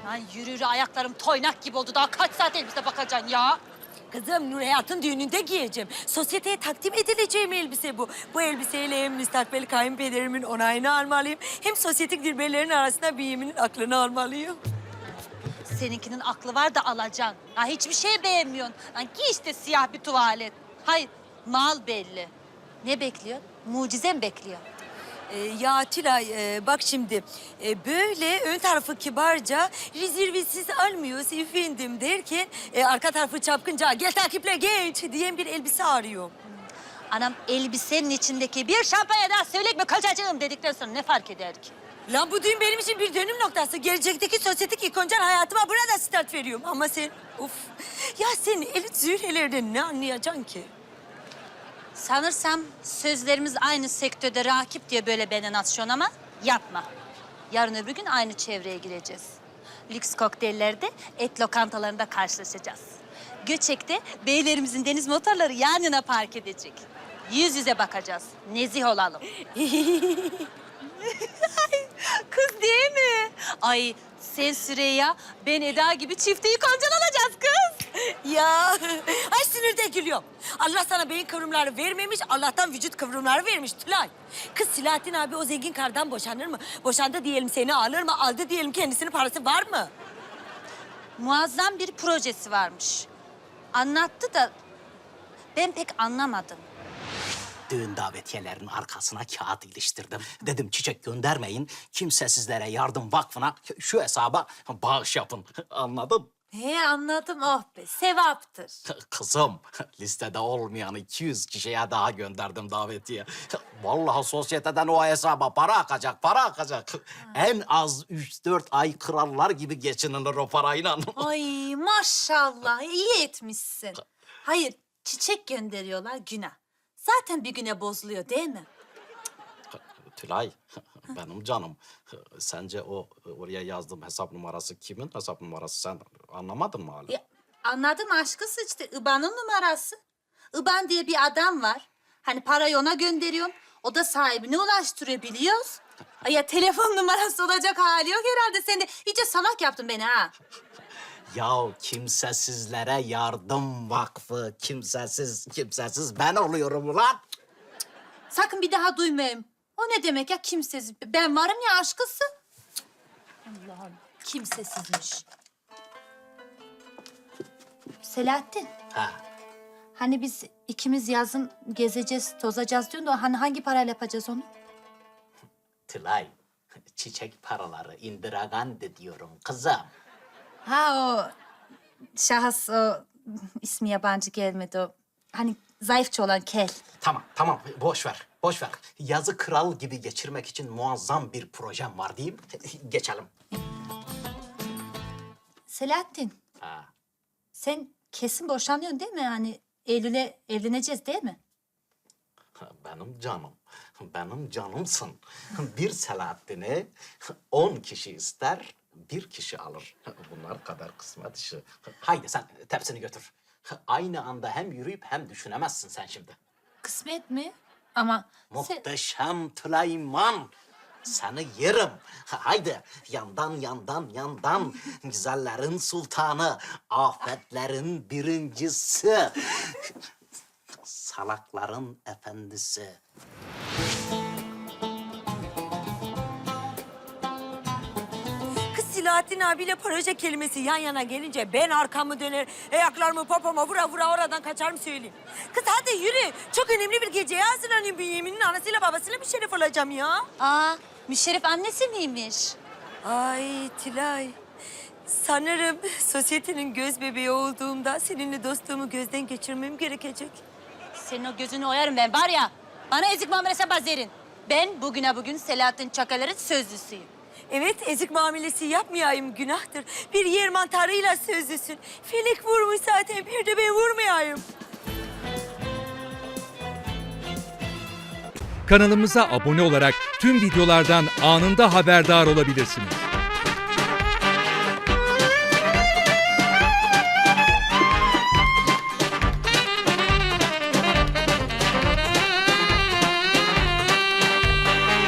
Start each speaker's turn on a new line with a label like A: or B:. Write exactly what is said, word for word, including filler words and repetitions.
A: Lan yürü yürü ayaklarım toynak gibi oldu. Daha kaç saat elbise bakacaksın ya?
B: Kızım Nur Hayat'ın düğününde giyeceğim. Sosyeteye takdim edileceğim elbise bu. Bu elbiseyle hem müstakbel kayınpederimin onayını almalıyım... ...hem sosyetik dilberlerin arasında büyüğümün aklını almalıyım.
A: Seninkinin aklı var da alacaksın. Ha, hiçbir şey beğenmiyorsun. Lan giy işte siyah bir tuvalet. Hayır, mal belli. Ne bekliyor? Mucize mi bekliyor?
B: Ee, ya Tülay e, bak şimdi e, böyle ön tarafı kibarca rezervesiz almıyoruz efendim derken e, arka tarafı çapkınca gel takiple geç diyen bir elbise arıyor.
A: Anam elbisenin içindeki bir şampanya daha söyleyek mi kaçacağım dedikten sonra ne fark eder ki?
B: Lan bu düğün benim için bir dönüm noktası. Gelecekteki sosyetik ikoncal hayatıma burada start veriyorum. Ama sen of ya sen elit zührelerden ne anlayacaksın ki?
A: Sanırsam sözlerimiz aynı sektörde rakip diye böyle benden atışıyorsun ama yapma. Yarın öbür gün aynı çevreye gireceğiz. Lüks kokteyllerde et lokantalarında karşılaşacağız. Göçek'te beylerimizin deniz motorları yan yana park edecek. Yüz yüze bakacağız. Nezih olalım. Kız değil mi? Ay sen Süreyya, ben Eda gibi çifte ikoncal alacağız kız.
B: Ya ay sinirde gülüyorum. Allah sana beyin kıvrımları vermemiş, Allah'tan vücut kıvrımları vermiş Tülay. Kız Silahattin abi o zengin kardan boşanır mı? Boşandı diyelim seni alır mı? Aldı diyelim kendisinin parası var mı?
A: Muazzam bir projesi varmış. Anlattı da ben pek anlamadım.
C: Düğün davetiyelerinin arkasına kağıt iliştirdim. Dedim çiçek göndermeyin, Kimsesizlere Yardım Vakfı'na şu hesaba bağış yapın. Anladın?
D: He anladım, oh be, sevaptır.
C: Kızım, listede olmayan iki yüz kişiye daha gönderdim davetiye. Vallahi sosyeteden o hesaba para akacak, para akacak. En az üç dört ay krallar gibi geçinilir o parayla.
D: Ay maşallah, iyi etmişsin. Hayır, çiçek gönderiyorlar günah. Zaten bir güne bozuluyor değil mi?
C: Tülay, benim canım. Sence o oraya yazdığım hesap numarası kimin hesap numarası? Sen anlamadın mı hala?
D: Ya, anladım aşkı sıçtı. İBAN'ın numarası. İBAN diye bir adam var. Hani parayı ona gönderiyorsun. O da sahibine ulaştırıyor biliyoruz. Ay ya telefon numarası olacak hali yok herhalde. Sen de iyice salak yaptın beni ha.
C: Yahu Kimsesizlere Yardım Vakfı, kimsesiz, kimsesiz ben oluyorum ulan.
D: Sakın bir daha duymayayım. O ne demek ya kimsesiz? Ben varım ya aşkısı. Allah'ım kimsesizmiş. Selahattin.
C: Ha,
D: Hani biz ikimiz yazın gezeceğiz, tozacağız diyorsun da hani hangi parayla yapacağız onu?
C: Tülay, çiçek paraları Indira Gandhi diyorum kızım.
D: Ha o şahıs o ismi yabancı gelmedi o. Hani zayıfça olan kel.
C: Tamam, tamam. Boş ver, boş ver. Yazı kral gibi geçirmek için muazzam bir projem var diyeyim. Geçelim.
D: Selahattin,
C: Ha.
D: sen kesin boşanıyorsun değil mi? Hani Eylül'e evleneceğiz değil mi?
C: Benim canım, benim canımsın. Bir Selahattin'i on kişi ister, bir kişi alır. Bunlar kadar kısmet işi. Haydi sen tepsini götür. Aynı anda hem yürüyüp hem düşünemezsin sen şimdi.
D: Kısmet mi? Ama sen...
C: Muhteşem Tülayman. Seni yerim. Haydi yandan yandan yandan. Güzellerin sultanı, afetlerin birincisi. Salakların efendisi.
B: Kız Silahattin abiyle proje kelimesi yan yana gelince ben arkamı döner, ayaklarımı popoma vura vura oradan kaçarım söyleyeyim. Kız hadi yürü. Çok önemli bir geceye hazırlanayım. Bünyamin'in anasıyla babasıyla bir şeref olacağım ya.
A: Aa, Müşerref annesi miymiş?
B: Ay Tülay. Sanırım sosyetenin göz bebeği olduğumda seninle dostluğumu gözden geçirmem gerekecek.
A: Senin o gözünü oyarım ben var ya. Bana ezik muamelesi yapmaz derin. Ben bugüne bugün Selahattin Çakalar'ın sözlüsüyüm.
B: Evet, ezik muamelesi yapmayayım günahtır. Bir yer mantarıyla sözlüsün. Felek vurmuş zaten, bir de ben vurmayayım.
E: Kanalımıza abone olarak tüm videolardan anında haberdar olabilirsiniz.